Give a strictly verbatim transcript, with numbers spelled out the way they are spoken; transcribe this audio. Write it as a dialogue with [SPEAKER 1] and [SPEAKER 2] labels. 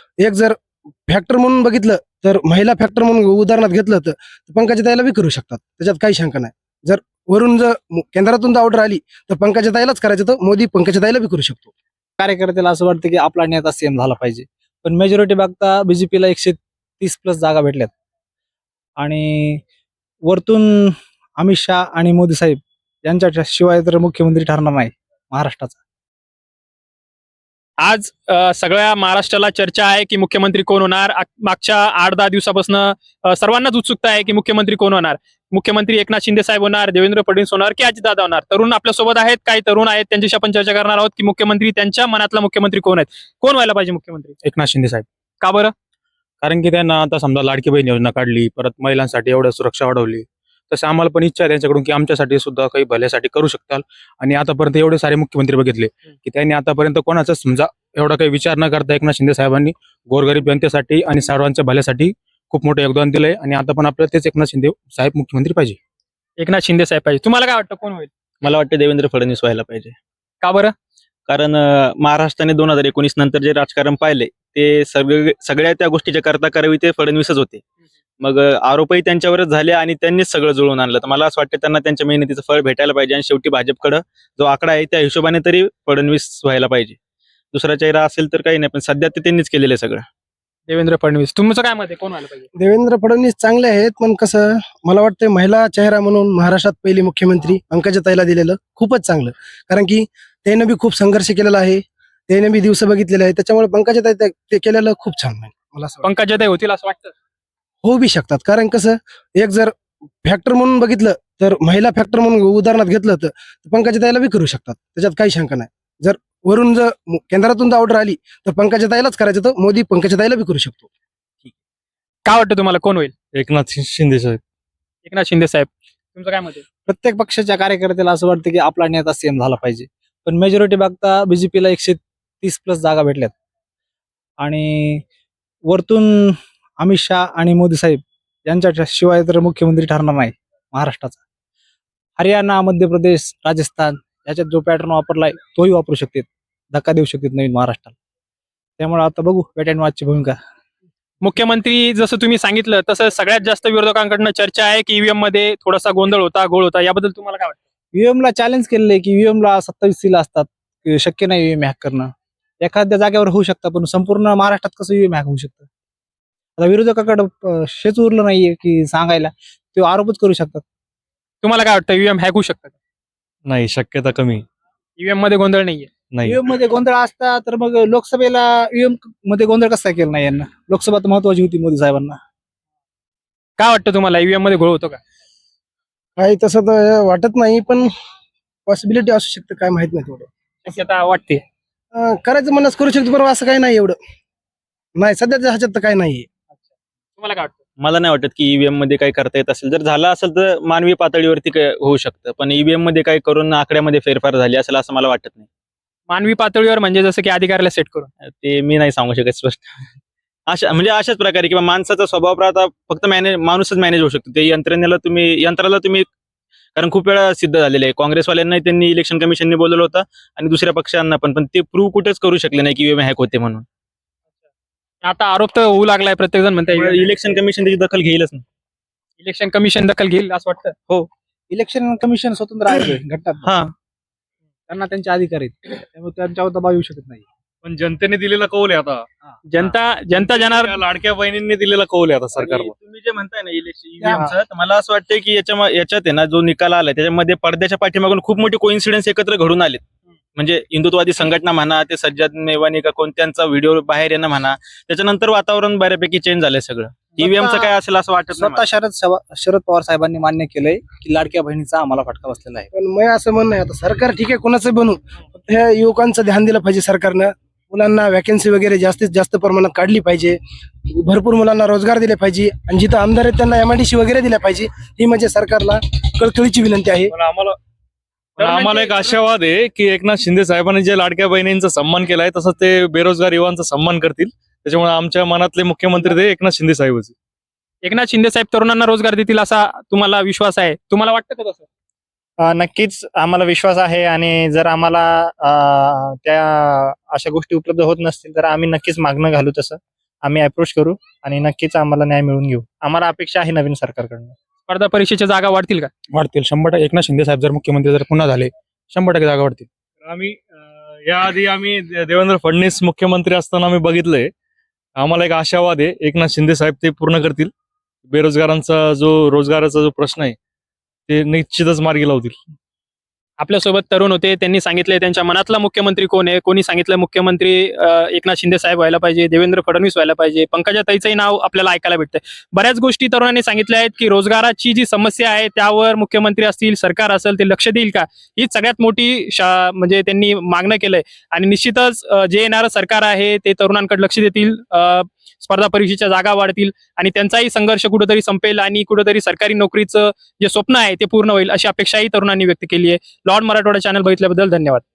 [SPEAKER 1] एक जर फॅक्टर म्हणून बघितलं तर महिला फॅक्टर म्हणून उदाहरणात घेतलं तर पंकजाताईला बी करू शकतात, त्याच्यात काही शंका नाही. जर वरून जर केंद्रातून ऑर्डर आली तर पंकजाताईलाच करायचं, तर मोदी पंकजाताईला बी करू शकतो.
[SPEAKER 2] कार्यकर्त्याला असं वाटतं की आपला नेता सीएम झाला पाहिजे, पण मेजॉरिटी बघता बीजेपीला एकशे तीस प्लस जागा भेटल्यात आणि वरतून अमित शहा आणि मोदी साहेब यांच्या शिवाय तर मुख्यमंत्री ठरणार नाही महाराष्ट्राचा.
[SPEAKER 3] आज अ, सगळ्या महाराष्ट्राला चर्चा आहे की मुख्यमंत्री कोण होणार. आ- मागच्या आठ दहा दिवसापासून अ, सर्वांनाच उत्सुकता आहे की मुख्यमंत्री कोण होणार. मुख्यमंत्री एकनाथ शिंदे साहेब होणार, देवेंद्र फडणवीस होणार की अजितदादा होणार. तरुण आपल्या सोबत आहेत, काही तरुण आहेत, त्यांच्याशी आपण चर्चा करणार आहोत की मुख्यमंत्री त्यांच्या मनातला मुख्यमंत्री कोण आहेत, कोण व्हायला पाहिजे मुख्यमंत्री.
[SPEAKER 4] एकनाथ शिंदे साहेब.
[SPEAKER 3] का बरं?
[SPEAKER 4] कारण की त्यांना आता समजा लाडकी बहीण योजना काढली, परत महिलांसाठी एवढं सुरक्षा वाढवली, तसं आम्हाला पण इच्छा आहे त्यांच्याकडून की आमच्यासाठी सुद्धा काही भल्यासाठी करू शकताल. आणि आतापर्यंत एवढे सारे मुख्यमंत्री बघितले की त्यांनी आतापर्यंत कोणाचा समजा एवढा काही विचार न करता एकनाथ शिंदे साहेबांनी गोरगरीब जनतेसाठी आणि सर्वांच्या भल्यासाठी खूप मोठं योगदान दिलंय. आणि आता पण आपल्याला तेच एकनाथ शिंदे साहेब मुख्यमंत्री पाहिजे.
[SPEAKER 3] एकनाथ शिंदे साहेब पाहिजे. तुम्हाला काय वाटतं कोण होईल?
[SPEAKER 5] मला वाटतं देवेंद्र फडणवीस व्हायला पाहिजे.
[SPEAKER 3] का बरं?
[SPEAKER 5] कारण अं, महाराष्ट्राने दोन हजार एकोणीस नंतर जे राजकारण पाहिले ते सगळे सगळ्या त्या गोष्टीच्या करता करावी ते फडणवीसच होते. मग अं, आरोपही त्यांच्यावरच झाले आणि त्यांनीच सगळं जुळवून आणलं. तर मला असं वाटतं त्यांना त्यांच्या मेहनतीचं फळ भेटायला पाहिजे आणि शेवटी भाजपकडं जो आकडा आहे त्या हिशोबाने तरी फडणवीस व्हायला पाहिजे. दुसरा चेहरा असेल तर काही नाही, पण सध्या ते त्यांनीच केलेलं आहे सगळं.
[SPEAKER 3] देवेंद्र फडणवीस. तुमचं काय मत आहे, कोण व्हायला पाहिजे?
[SPEAKER 1] देवेंद्र फडणवीस चांगले आहेत, पण कसं मला वाटतं महिला चेहरा म्हणून महाराष्ट्रात पहिली मुख्यमंत्री पंकजाताईला दिलेलं खूपच चांगलं. कारण की त्यानं बी खूप संघर्ष केलेला आहे, त्यानं बी दिवस बघितलेले आहे, त्याच्यामुळे पंकजाताई ते- ते केलेलं खूप छान आहे. मला असं वाटतं.
[SPEAKER 3] पंकजाताई होतील असं वाटतं.
[SPEAKER 1] होऊ बी शकतात, कारण कसं एक जर फॅक्टर म्हणून बघितलं तर महिला फॅक्टर म्हणून उदाहरणात घेतलं तर पंकजाताईला बी करू शकतात, त्याच्यात काही शंका नाही. जर वरून जर केंद्रातून ऑर्डर आली तर पंकजाताईलाच करायचं, तर मोदी पंकजाताईला बी करू शकतो.
[SPEAKER 3] काय वाटतं तुम्हाला कोण होईल?
[SPEAKER 4] एकनाथ शिंदे साहेब.
[SPEAKER 3] एकनाथ शिंदे साहेब. तुमचं काय मत आहे?
[SPEAKER 2] प्रत्येक पक्षाच्या कार्यकर्त्याला असं वाटतं की आपला नेता सीएम झाला पाहिजे, पण मेजॉरिटी बघता बीजेपीला एकशे तीस प्लस जागा भेटल्यात आणि वरतून अमित शहा आणि मोदी साहेब यांच्या शिवाय तर मुख्यमंत्री ठरणार नाही महाराष्ट्राचा. हरियाणा, मध्य प्रदेश, राजस्थान याच्यात जो पॅटर्न वापरलाय तोही वापरू शकतात, धक्का देऊ शकतात नवीन महाराष्ट्राला. त्यामुळे आता बघू वेट अँड वॉचची भूमिका.
[SPEAKER 3] मुख्यमंत्री जसं तुम्ही सांगितलं तसं सगळ्यात जास्त विरोधकांकडनं चर्चा आहे की ईव्हीएम मध्ये थोडासा गोंधळ होता, गोळ होता. याबद्दल तुम्हाला काय वाटतं?
[SPEAKER 2] ईव्हीएम ला चॅलेंज केलेलं आहे की ईव्हीएम ला सत्तावीस सील असतात, की शक्य नाही ईव्हीएम हॅक करणं. एखाद्या जागेवर होऊ शकतं, पण संपूर्ण महाराष्ट्रात कसं ईव्हीएम हॅक होऊ शकतं. आता विरोधकाकडे अं, शेच उरलं नाहीये की सांगायला, ते आरोपच करू शकतात.
[SPEAKER 3] तुम्हाला काय वाटतं, ईव्हीएम हॅक होऊ शकतं?
[SPEAKER 4] नाही, शक्यता कमी.
[SPEAKER 3] ईव्हीएम मध्ये गोंधळ नाहीये.
[SPEAKER 4] नाही.
[SPEAKER 2] ईव्हीएम मध्ये गोंधळ असता तर मग लोकसभेला ईव्हीएम मध्ये गोंधळ कसा केला नाही यांना. लोकसभा तर महत्वाची होती मोदी साहेबांना.
[SPEAKER 3] काय वाटतं तुम्हाला, ईव्हीएम मध्ये घोळ होतो का?
[SPEAKER 1] काही तसं तर वाटत नाही, पण पॉसिबिलिटी असू शकते, काय माहित नाही तेवढं.
[SPEAKER 3] शक्यता वाटते.
[SPEAKER 1] अं, करायचं म्हणून करू शकतो, पण असं काही नाही एवढं. नाही, सध्याच्या ह्याच्यात तर काही नाहीये.
[SPEAKER 3] तुम्हाला काय वाटतं?
[SPEAKER 5] मला नाही वाटत की ईव्हीएम मध्ये काही करता येत असेल. जर झालं असेल तर मानवी पातळीवरती काय होऊ शकतं, पण ईव्हीएम मध्ये काही करून आकड्यामध्ये फेरफार झाली असेल असं मला वाटत नाही.
[SPEAKER 3] मानवी पातळीवर म्हणजे जसं की अधिकाऱ्याला सेट करून.
[SPEAKER 5] ते मी नाही सांगू शकत स्पष्ट. अशा म्हणजे अशाच प्रकारे किंवा माणसाचा स्वभाव आता फक्त मॅनेज माणूसच मॅनेज होऊ शकतो. ते यंत्रणेला तुम्ही यंत्राला तुम्ही, कारण खूप वेळा सिद्ध झालेलं आहे. काँग्रेसवाल्यांना त्यांनी इलेक्शन कमिशनने बोलवलं होतं आणि दुसऱ्या पक्षांना पण पण ते प्रूव्ह कुठेच करू शकले नाही की ईव्हीएम हॅक होते म्हणून.
[SPEAKER 3] आता आरोप तर होऊ लागलाय, प्रत्येक जण म्हणताय
[SPEAKER 5] इलेक्शन कमिशन त्याची दखल घेईलच नाही.
[SPEAKER 3] इलेक्शन कमिशन दखल घेईल असं वाटतं.
[SPEAKER 2] इलेक्शन कमिशन स्वतंत्र आहे घटना,
[SPEAKER 5] हा,
[SPEAKER 2] त्यांना त्यांचे अधिकार आहेत, त्यामुळे त्यांच्यावर दबाव येऊ शकत नाही.
[SPEAKER 4] पण जनतेने दिलेला कौल आहे आता.
[SPEAKER 3] जनता जनता जाणार.
[SPEAKER 4] त्या लाडक्या बहिणींनी दिलेला कौल आहे आता
[SPEAKER 5] आणि
[SPEAKER 4] सरकारला.
[SPEAKER 5] तुम्ही जे म्हणताय ना इलेक्शन ईव्हीएमचं, तर मला असं वाटतंय की याच्या याच्यात आहे ना जो निकाल आलाय त्याच्यामध्ये पडद्याच्या पाठीमागून खूप मोठे कोइन्सिडेन्स एकत्र घडून आलेत. म्हणजे हिंदुत्ववादी संघटना म्हणा, ते सज्जाद मेवानी का कोणत्यांचा व्हिडिओ बाहेर येणं म्हणा, त्याच्यानंतर वातावरण बऱ्यापैकी चेंज झालंय सगळं. ईव्हीएमचं काय असेल असं वाटत नाही
[SPEAKER 2] स्वतः शरद शवा- शरद पवार साहेबांनी मान्य केलंय की लाडक्या बहिणीचा आम्हाला फटका बसलेला आहे.
[SPEAKER 1] पण मी असं म्हणणं आहे, आता सरकार ठीक आहे कोणाचं बनू, फक्त ह्या युवकांचं ध्यान दिलं पाहिजे सरकारनं. मुलांना वॅकन्सी वगैरे जास्तीत जास्त प्रमाणात काढली पाहिजे, भरपूर मुलांना रोजगार दिले पाहिजे, आणि जिथं आमदार आहेत त्यांना एमआयडीसी वगैरे दिल्या पाहिजे. ही म्हणजे सरकारला कळकळीची विनंती आहे.
[SPEAKER 4] पण आम्हाला पण आम्हाला एक आशावाद आहे की एकनाथ शिंदे साहेबांनी जे लाडक्या बहिणींचा सन्मान केलाय तसंच ते बेरोजगार युवांचा सन्मान करतील. त्याच्यामुळे आमच्या मनातले मुख्यमंत्री ते एकनाथ शिंदे साहेबच.
[SPEAKER 3] एकनाथ शिंदे साहेब तरुणांना रोजगार देतील असा तुम्हाला विश्वास आहे? तुम्हाला वाटतं का तसं?
[SPEAKER 6] अ, नक्कीच आम्हाला विश्वास आहे आणि जर आम्हाला अ, त्या अशा गोष्टी उपलब्ध होत नसतील तर आम्ही नक्कीच मागणं घालू तसं. आम्ही अप्रोच करू आणि नक्कीच आम्हाला न्याय मिळवून घेऊ. आम्हाला अपेक्षा आहे नवीन सरकारकडनं.
[SPEAKER 3] स्पर्धा परीक्षेच्या जागा वाढतील का?
[SPEAKER 4] वाढतील शंभर टक्के. एकनाथ शिंदे साहेब जर मुख्यमंत्री जर पुन्हा झाले शंभर टक्के जागा वाढतील.
[SPEAKER 7] आम्ही अं, याआधी आम्ही दे- देवेंद्र फडणवीस मुख्यमंत्री असताना आम्ही बघितलंय. आम्हाला एक आशावाद आहे एकनाथ शिंदे साहेब ते पूर्ण करतील. बेरोजगारांचा जो रोजगाराचा जो प्रश्न आहे ते निश्चितच मार्गी लावतील.
[SPEAKER 3] आपल्यासोबत तरुण होते, त्यांनी सांगितले त्यांच्या मनातला मुख्यमंत्री कोण आहे. कोणी सांगितलं मुख्यमंत्री अ, एकनाथ शिंदे साहेब व्हायला पाहिजे, देवेंद्र फडणवीस व्हायला पाहिजे, पंकजाताईचंही नाव आपल्याला ऐकायला भेटतंय. बऱ्याच गोष्टी तरुणांनी सांगितल्या आहेत की रोजगाराची जी समस्या आहे त्यावर मुख्यमंत्री असतील, सरकार असेल ते लक्ष देईल का, हीच सगळ्यात मोठी शा म्हणजे त्यांनी मागणं केलंय. आणि निश्चितच अ, जे येणारं सरकार आहे ते तरुणांकडे लक्ष देतील, अ, स्पर्धा परीक्षेच्या जागा वाढतील आणि त्यांचाही संघर्ष कुठेतरी संपेल आणि कुठेतरी सरकारी नोकरीचं जे स्वप्न आहे ते पूर्ण होईल अशी अपेक्षाही तरुणांनी व्यक्त केली आहे. लॉर्ड मराठवाडा चॅनल बघितल्याबद्दल धन्यवाद.